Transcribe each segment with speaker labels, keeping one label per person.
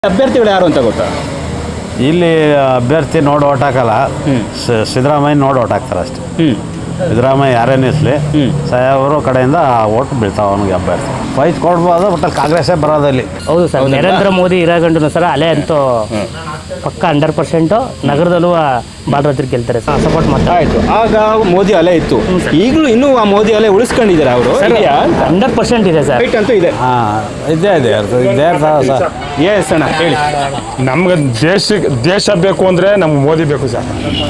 Speaker 1: ಅಭ್ಯರ್ಥಿಗಳು ಯಾರು ಅಂತ ಗೊತ್ತಾ?
Speaker 2: ಇಲ್ಲಿ ಅಭ್ಯರ್ಥಿ ನೋಡಿ ಓಟ್ ಹಾಕಲ್ಲ, ಸಿದ್ದರಾಮಯ್ಯ ನೋಡಿ ಓಟ್ ಹಾಕ್ತಾರೆ ಅಷ್ಟೇ. ಸಿದ್ದರಾಮಯ್ಯ ಯಾರೇ ನಿಲ್ಲಿಸಲಿ ಸಾಯವರು ಕಡೆಯಿಂದ ಓಟ್ ಬೀಳ್ತಾವೆ ಅವನಿಗೆ ಅಭ್ಯರ್ಥಿ. ಫೈಟ್ ಕೊಡ್ಬೋದು, ಬಟ್ ಅಲ್ಲಿ ಕಾಂಗ್ರೆಸ್ಸೇ ಬರೋದಲ್ಲಿ.
Speaker 3: ಹೌದು ಸರ್, ನರೇಂದ್ರ ಮೋದಿ ಇರಾಗಂಡು ಸರ್ ಅಲೆ ಅಂತೂ ಪಕ್ಕ 100% ನಗರದಲ್ಲೂ ಬಾಲರಾಜ್ರು ಗೆಲ್ತಾರೆ ಸರ್, ಸಪೋರ್ಟ್ ಮಾಡ್ತಾರೆ.
Speaker 1: ಆಯ್ತು, ಆಗ ಮೋದಿ ಅಲೆ ಇತ್ತು, ಈಗಲೂ ಇನ್ನೂ ಆ ಮೋದಿ ಅಲೆ ಉಳಿಸ್ಕೊಂಡಿದ್ದಾರೆ ಅವರು.
Speaker 3: 100% ಇದೆ ಸರ್,
Speaker 1: ಫೈಟ್ ಅಂತೂ ಇದೆ.
Speaker 2: ಇದೇ ಸರ್.
Speaker 1: ಎಸ್ ಅಣ್ಣ ಹೇಳಿ.
Speaker 4: ನಮ್ಗೆ ದೇಶ ಬೇಕು ಅಂದರೆ ನಮ್ಗೆ ಮೋದಿ ಬೇಕು ಸರ್.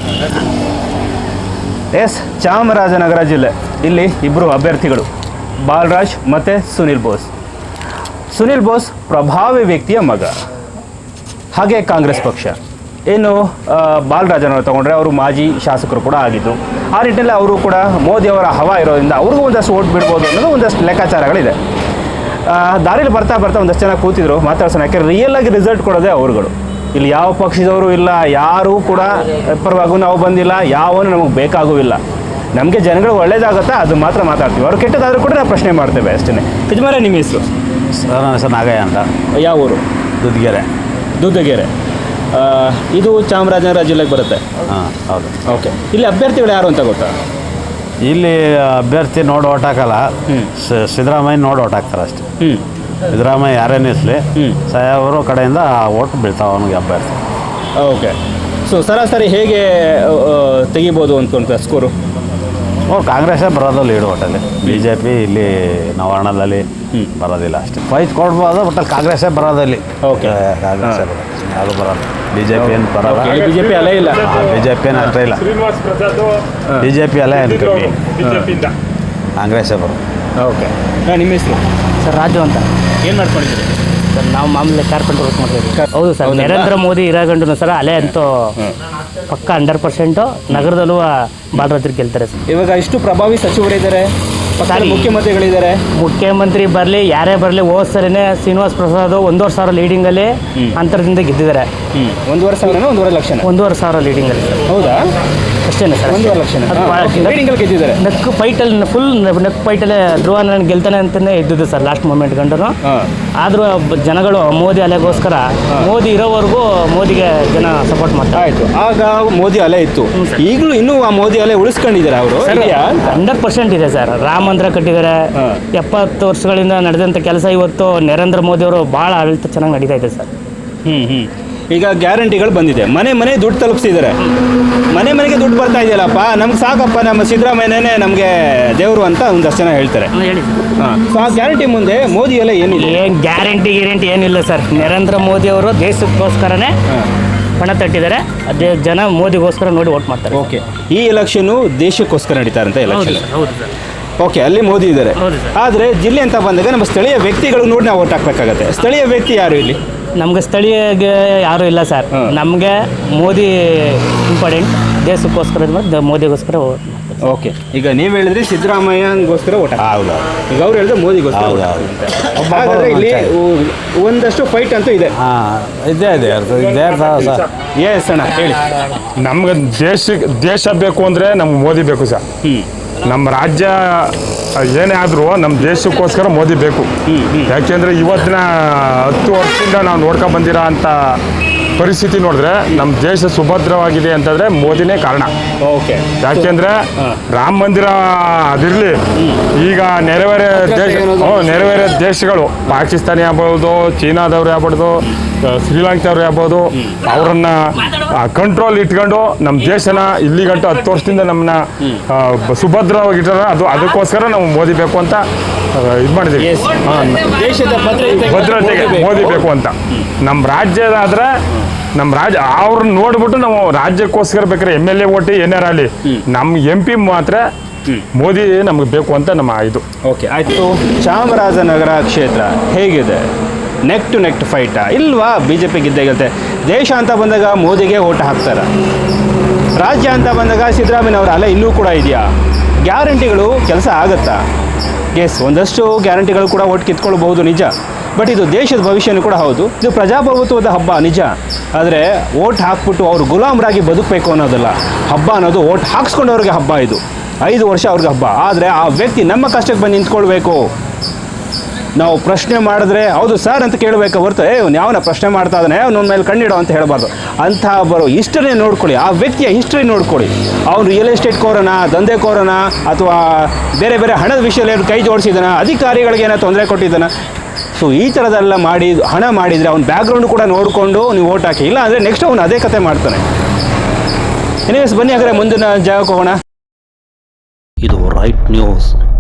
Speaker 1: ಎಸ್, ಚಾಮರಾಜನಗರ ಜಿಲ್ಲೆ, ಇಲ್ಲಿ ಇಬ್ಬರು ಅಭ್ಯರ್ಥಿಗಳು, ಬಾಲರಾಜ್ ಮತ್ತು ಸುನಿಲ್ ಬೋಸ್. ಸುನಿಲ್ ಬೋಸ್ ಪ್ರಭಾವಿ ವ್ಯಕ್ತಿಯ ಮಗ, ಹಾಗೆ ಕಾಂಗ್ರೆಸ್ ಪಕ್ಷ. ಇನ್ನು ಬಾಲರಾಜನವರು ತಗೊಂಡ್ರೆ ಅವರು ಮಾಜಿ ಶಾಸಕರು ಕೂಡ ಆಗಿದ್ದು, ಆ ನಿಟ್ಟಿನಲ್ಲಿ ಅವರು ಕೂಡ ಮೋದಿಯವರ ಹವಾ ಇರೋದ್ರಿಂದ ಅವ್ರಿಗೂ ಒಂದಷ್ಟು ಓಟ್ ಬಿಡ್ಬೋದು ಅನ್ನೋದು ಒಂದಷ್ಟು ಲೆಕ್ಕಾಚಾರಗಳಿದೆ. ದಾರಿಲಿ ಬರ್ತಾ ಒಂದಷ್ಟು ಜನ ಕೂತಿದ್ರು, ಮಾತಾಡ್ಸೋಣ. ಯಾಕೆ ರಿಯಲ್ ಆಗಿ ರಿಸಲ್ಟ್ ಕೊಡೋದೇ ಅವ್ರುಗಳು. ಇಲ್ಲಿ ಯಾವ ಪಕ್ಷದವರು ಇಲ್ಲ, ಯಾರೂ ಕೂಡ ಪರವಾಗೂ ನಾವು ಬಂದಿಲ್ಲ, ಯಾವನು ನಮಗೆ ಬೇಕಾಗುವಿಲ್ಲ. ನಮಗೆ ಜನಗಳು ಒಳ್ಳೇದಾಗುತ್ತಾ ಅದು ಮಾತ್ರ ಮಾತಾಡ್ತೀವಿ, ಅವ್ರು ಕೆಟ್ಟದಾದರೂ ಕೂಡ ನಾವು ಪ್ರಶ್ನೆ ಮಾಡ್ತೇವೆ ಅಷ್ಟೇ. ಯಜಮಾನ, ನಿಮ್ಮ ಹೆಸರು?
Speaker 2: ಸರ್, ನನ್ನ ಹೆಸರು ನಾಗಯ್ಯ ಅಂತ.
Speaker 1: ಯಾವ ಊರು? ದುದ್ದಗೆರೆ. ಇದು ಚಾಮರಾಜನಗರ ಜಿಲ್ಲೆಗೆ ಬರುತ್ತೆ.
Speaker 2: ಹಾಂ, ಹೌದು.
Speaker 1: ಓಕೆ, ಇಲ್ಲಿ ಅಭ್ಯರ್ಥಿಗಳು ಯಾರು ಅಂತ ಗೊತ್ತಾ?
Speaker 2: ಇಲ್ಲಿ ಅಭ್ಯರ್ಥಿ ನೋಡಿ ಓಟ್ ಹಾಕಲ್ಲ, ಸಿದ್ದರಾಮಯ್ಯ ನೋಡಿ ಓಟ್ ಹಾಕ್ತಾರೆ ಅಷ್ಟೇ. ಸಿದ್ದರಾಮಯ್ಯ ಯಾರೇ ನಿಲ್ಲಿಸಲಿ ಸಾಯವರು ಕಡೆಯಿಂದ ಓಟ್ ಬೀಳ್ತಾವೆ ಅವನಿಗೆ ಅಭ್ಯರ್ಥಿ.
Speaker 1: ಓಕೆ, ಸೊ ಸರಾಸರಿ ಹೇಗೆ ತೆಗಿಬೋದು ಅಂದ್ಕೊಂತ ಸ್ಕೋರು?
Speaker 2: ಕಾಂಗ್ರೆಸ್ಸೇ ಬರೋದು ಲೀಡ್ ಒಟ್ಟಲ್ಲಿ. BJP ಇಲ್ಲಿ ನವಾರ್ಣದಲ್ಲಿ ಬರೋದಿಲ್ಲ ಅಷ್ಟೇ. ಫೈಟ್ ಕೊಡ್ಬೋದು, ಬಟ್ ಅಲ್ಲಿ ಕಾಂಗ್ರೆಸ್ಸೇ ಬರೋದಲ್ಲಿ.
Speaker 1: ಓಕೆ,
Speaker 2: ಕಾಂಗ್ರೆಸ್ಸೇ ಬರೋದು, ಯಾವುದು ಬರೋದು. BJP ಏನು ಬರೋಲ್ಲ.
Speaker 1: BJP ಅಲ್ಲೇ ಇಲ್ಲ.
Speaker 2: BJP ಏನು ಅಷ್ಟೇ ಇಲ್ಲ. BJP ಅಲ್ಲೇ ಏನು ಕಾಂಗ್ರೆಸ್ಸೇ ಬರೋದು.
Speaker 1: ಓಕೆ, ನಿಮ್ಮ ಹೆಸರು?
Speaker 3: ಸರ್, ರಾಜು ಅಂತ.
Speaker 1: ಏನು ಮಾಡ್ಕೊಂಡಿದ್ದೀರಿ
Speaker 3: ಸರ್? ನಾವು ಮಾಮೂಲಿ ಕಾರ್ಪೆಂಟರ್ ವರ್ಕ್ ಮಾಡ್ತೀವಿ. ಹೌದು ಸರ್, ನರೇಂದ್ರ ಮೋದಿ ಇರಾಗಂಡು ಸರ್ ಅಲೆ ಅಂತೂ ಪಕ್ಕ 100% ನಗರದಲ್ಲೂ ಬಾಲರಾಜ್ರು ಗೆಲ್ತಾರೆ ಸರ್.
Speaker 1: ಇವಾಗ ಇಷ್ಟು ಪ್ರಭಾವಿ ಸಚಿವರಿದ್ದಾರೆ, ಮುಖ್ಯಮಂತ್ರಿಗಳಿದ್ದಾರೆ.
Speaker 3: ಮುಖ್ಯಮಂತ್ರಿ ಬರಲಿ, ಯಾರೇ ಬರಲಿ, ಹೋದ ಸರಿನೇ ಶ್ರೀನಿವಾಸ್ ಪ್ರಸಾದ್ 1,500,000 ಲೀಡಿಂಗಲ್ಲಿ ಅಂತರದಿಂದ ಗೆದ್ದಿದ್ದಾರೆ.
Speaker 1: 1,500,000 1,500,000 ಲಕ್ಷ?
Speaker 3: 1,500,000 ಲೀಡಿಂಗಲ್ಲಿ ಸರ್.
Speaker 1: ಹೌದಾ?
Speaker 3: ಅಷ್ಟೇನೆ ಸರ್,
Speaker 1: 1,500,000 ಲಕ್ಷ ಗೆದ್ದಿದ್ದಾರೆ.
Speaker 3: ನೆಕ್ ಫೈಟಲ್ಲಿ ನೆಕ್ ಫೈಟಲ್ಲೇ ಧ್ರುವ ನಾನು ಗೆಲ್ತಾನೆ ಅಂತಲೇ ಇದ್ದಿದ್ದು ಸರ್ ಲಾಸ್ಟ್ ಮೂಮೆಂಟ್ ಗಂಟನು. ಆದರೂ ಜನಗಳು ಮೋದಿ ಅಲೆಗೋಸ್ಕರ ಮೋದಿ ಇರೋವರೆಗೂ ಮೋದಿಗೆ ಜನ ಸಪೋರ್ಟ್ ಮಾಡ್ತಾರೆ.
Speaker 1: ಆಯಿತು, ಆಗ ಮೋದಿ ಅಲೆ ಇತ್ತು, ಈಗಲೂ ಇನ್ನೂ ಆ ಮೋದಿ ಅಲೆ ಉಳಿಸ್ಕೊಂಡಿದ್ದಾರೆ ಅವರು.
Speaker 3: 100% ಇದೆ ಸರ್. ರಾಮ ಮಂದಿರ ಕಟ್ಟಿದ್ದಾರೆ. 70 ವರ್ಷಗಳಿಂದ ನಡೆದಂಥ ಕೆಲಸ ಇವತ್ತು ನರೇಂದ್ರ ಮೋದಿ ಅವರು ಭಾಳ ಆಡಳಿತ ಚೆನ್ನಾಗಿ ನಡೀತಾ ಇದೆ ಸರ್.
Speaker 1: ಈಗ ಗ್ಯಾರಂಟಿಗಳು ಬಂದಿದೆ, ಮನೆ ದುಡ್ಡು ತಲುಪಿಸಿದ್ದಾರೆ. ಮನೆಗೆ ದುಡ್ಡು ಬರ್ತಾ ಇದೆಯಲ್ಲಪ್ಪ, ನಮ್ಗೆ ಸಾಕಪ್ಪ, ನಮ್ಮ ಸಿದ್ದರಾಮಯ್ಯನೇ ನಮಗೆ ದೇವರು ಅಂತ ಒಂದಷ್ಟು ಜನ ಹೇಳ್ತಾರೆ.
Speaker 3: ಹೇಳಿ
Speaker 1: ಸೊ ಆ ಗ್ಯಾರಂಟಿ ಮುಂದೆ ಮೋದಿ ಎಲ್ಲ ಏನಿದೆ?
Speaker 3: ಏನು ಗ್ಯಾರಂಟಿ ಏನಿಲ್ಲ ಸರ್. ನರೇಂದ್ರ ಮೋದಿ ಅವರು ದೇಶಕ್ಕೋಸ್ಕರನೇ ಪಣ ತಟ್ಟಿದ್ದಾರೆ. ಅದೇ ಜನ ಮೋದಿಗೋಸ್ಕರ ನೋಡಿ ವೋಟ್ ಮಾಡ್ತಾರೆ.
Speaker 1: ಓಕೆ, ಈ ಎಲೆಕ್ಷನ್ನು ದೇಶಕ್ಕೋಸ್ಕರ ನಡೀತಾರಂತ ಎಲೆಕ್ಷನ್.
Speaker 3: ಹೌದು ಸರ್.
Speaker 1: ಓಕೆ, ಅಲ್ಲಿ ಮೋದಿ ಇದ್ದಾರೆ. ಆದರೆ ಜಿಲ್ಲೆ ಅಂತ ಬಂದಾಗ ನಮ್ಮ ಸ್ಥಳೀಯ ವ್ಯಕ್ತಿಗಳು ನೋಡಿ ನಾವು ವೋಟ್ ಹಾಕ್ಬೇಕಾಗತ್ತೆ. ಸ್ಥಳೀಯ ವ್ಯಕ್ತಿ ಯಾರು ಇಲ್ಲಿ?
Speaker 3: ನಮಗೆ ಸ್ಥಳೀಯಗೆ ಯಾರೂ ಇಲ್ಲ ಸರ್. ನಮಗೆ ಮೋದಿ ಇಂಪಾರ್ಟೆಂಟ್. ದೇಶಕ್ಕೋಸ್ಕರ ಮೋದಿಗೋಸ್ಕರ ವೋಟ್ ಮಾಡ್ತಾರೆ.
Speaker 1: ಓಕೆ, ಈಗ ನೀವು ಹೇಳಿದ್ರಿ ಸಿದ್ದರಾಮಯ್ಯಗೋಸ್ಕರ ವೋಟ್.
Speaker 2: ಹೌದು.
Speaker 1: ಈಗ ಅವ್ರು ಹೇಳಿದ್ರೆ ಮೋದಿಗೋಸ್ಕರ. ಹಾಗಾದ್ರೆ ಇಲ್ಲಿ ಒಂದಷ್ಟು ಫೈಟ್ ಅಂತೂ ಇದೆ.
Speaker 2: ಇದೇ ಸರ್.
Speaker 1: ಎಸ್ ಅಣ್ಣ ಹೇಳಿ.
Speaker 4: ನಮ್ಗೆ ದೇಶ ಬೇಕು ಅಂದರೆ ನಮ್ಗೆ ಮೋದಿ ಬೇಕು ಸರ್. ನಮ್ಮ ರಾಜ್ಯ ಏನೇ ಆದರೂ ನಮ್ಮ ದೇಶಕ್ಕೋಸ್ಕರ ಮೋದಿ ಬೇಕು. ಯಾಕೆಂದರೆ ಇವತ್ತಿನ 10 ವರ್ಷದಿಂದ ನಾವು ನೋಡ್ಕೊಂಡು ಬಂದಿರೋ ಅಂಥ ಪರಿಸ್ಥಿತಿ ನೋಡಿದ್ರೆ ನಮ್ಮ ದೇಶ ಸುಭದ್ರವಾಗಿದೆ ಅಂತಂದರೆ ಮೋದಿನೇ ಕಾರಣ.
Speaker 1: ಓಕೆ,
Speaker 4: ಯಾಕೆಂದರೆ ರಾಮ ಮಂದಿರ ಅದಿರಲಿ, ಈಗ ನೆರೆವೇರೆ ದೇಶಗಳು ಪಾಕಿಸ್ತಾನಿ ಆಗ್ಬೋದು, ಚೀನಾದವ್ರು ಆಗ್ಬೋದು, ಶ್ರೀಲಂಕಾದವ್ರು ಆಗ್ಬೋದು, ಅವರನ್ನ ಕಂಟ್ರೋಲ್ ಇಟ್ಕೊಂಡು ನಮ್ಮ ದೇಶನ ಇಲ್ಲಿಗಂಟು 10 ವರ್ಷದಿಂದ ನಮ್ಮನ್ನ ಸುಭದ್ರವಾಗಿಟ್ಟಾರ. ಅದಕ್ಕೋಸ್ಕರ ನಾವು ಮೋದಿ ಬೇಕು ಅಂತ ಇದು ಮಾಡಿದ್ದೀವಿ.
Speaker 1: ದೇಶದ
Speaker 4: ಭದ್ರತೆಗೆ ಮೋದಿ ಬೇಕು ಅಂತ. ನಮ್ಮ ರಾಜ್ಯದಾದರೆ ನಮ್ಮ ರಾಜ್ಯ ಅವ್ರನ್ನ ನೋಡ್ಬಿಟ್ಟು ನಾವು ರಾಜ್ಯಕ್ಕೋಸ್ಕರ ಬೇಕಾದ್ರೆ MLA ಓಟಿ ಏನಾರ ಆಗಲಿ, ನಮ್ಮ MP ಮಾತ್ರ ಮೋದಿ ನಮಗೆ ಬೇಕು ಅಂತ ನಮ್ಮ ಇದು.
Speaker 1: ಓಕೆ, ಆಯಿತು. ಚಾಮರಾಜನಗರ ಕ್ಷೇತ್ರ ಹೇಗಿದೆ? ನೆಕ್ ಟು ನೆಕ್ ಫೈಟಾ ಇಲ್ವಾ? BJP ಗೆದ್ದೇ ಗೆಲ್ತೆ. ದೇಶ ಅಂತ ಬಂದಾಗ ಮೋದಿಗೆ ಓಟ್ ಹಾಕ್ತಾರೆ. ರಾಜ್ಯ ಅಂತ ಬಂದಾಗ ಸಿದ್ದರಾಮಯ್ಯನವರ ಅಲೆ ಇನ್ನೂ ಕೂಡ ಇದೆಯಾ? ಗ್ಯಾರಂಟಿಗಳು ಕೆಲಸ ಆಗುತ್ತಾ? ಎಸ್, ಒಂದಷ್ಟು ಗ್ಯಾರಂಟಿಗಳು ಕೂಡ ಓಟ್ ಕಿತ್ಕೊಳ್ಬಹುದು, ನಿಜ. ಬಟ್ ಇದು ದೇಶದ ಭವಿಷ್ಯನೂ ಕೂಡ ಹೌದು. ಇದು ಪ್ರಜಾಪ್ರಭುತ್ವದ ಹಬ್ಬ, ನಿಜ. ಆದರೆ ಓಟ್ ಹಾಕ್ಬಿಟ್ಟು ಅವರು ಗುಲಾಮರಾಗಿ ಬದುಕಬೇಕು ಅನ್ನೋದಲ್ಲ ಹಬ್ಬ ಅನ್ನೋದು. ಓಟ್ ಹಾಕ್ಸ್ಕೊಂಡವ್ರಿಗೆ ಹಬ್ಬ ಇದು. 5 ವರ್ಷ ಅವ್ರಿಗೆ ಹಬ್ಬ. ಆದರೆ ಆ ವ್ಯಕ್ತಿ ನಮ್ಮ ಕಷ್ಟಕ್ಕೆ ಬಂದು ನಿಂತ್ಕೊಳ್ಬೇಕು. ನಾವು ಪ್ರಶ್ನೆ ಮಾಡಿದ್ರೆ ಹೌದು ಸರ್ ಅಂತ ಕೇಳಬೇಕು ಹೊರತು ಅವ್ನು ಯಾವನ ಪ್ರಶ್ನೆ ಮಾಡ್ತಾ ಇದ್ದಾನೆ ಅವ್ನ ಮೇಲೆ ಕಣ್ಣಿಡೋ ಅಂತ ಹೇಳಬಾರ್ದು. ಅಂಥ ಬರೋ ಹಿಸ್ಟ್ರಿ ನೋಡ್ಕೊಳ್ಳಿ, ಆ ವ್ಯಕ್ತಿಯ ಹಿಸ್ಟ್ರಿ ನೋಡ್ಕೊಳ್ಳಿ. ಅವ್ನು ರಿಯಲ್ ಎಸ್ಟೇಟ್ ಕೋರನ, ದಂಧೆಕೋರನ, ಅಥವಾ ಬೇರೆ ಬೇರೆ ಹಣದ ವಿಷಯದಲ್ಲಿ ಕೈ ಜೋಡಿಸಿದಾನ, ಅಧಿಕಾರಿಗಳಿಗೆ ಏನೋ ತೊಂದರೆ ಕೊಟ್ಟಿದ್ದಾನ. ಸೊ ಈ ಥರದೆಲ್ಲ ಮಾಡಿ ಹಣ ಮಾಡಿದರೆ ಅವ್ನ ಬ್ಯಾಕ್ಗ್ರೌಂಡ್ ಕೂಡ ನೋಡಿಕೊಂಡು ನೀವು ಓಟ್ ಹಾಕಿ. ಇಲ್ಲ ಅಂದರೆ ನೆಕ್ಸ್ಟ್ ಅವ್ನು ಅದೇ ಕತೆ ಮಾಡ್ತಾನೆ. ಎನಿವೇಸ್ ಬನ್ನಿ ಹಾಗಾದ್ರೆ ಮುಂದಿನ ಜಾಗಕ್ಕೆ ಹೋಗೋಣ.
Speaker 5: ಇದು ರೈಟ್ ನ್ಯೂಸ್.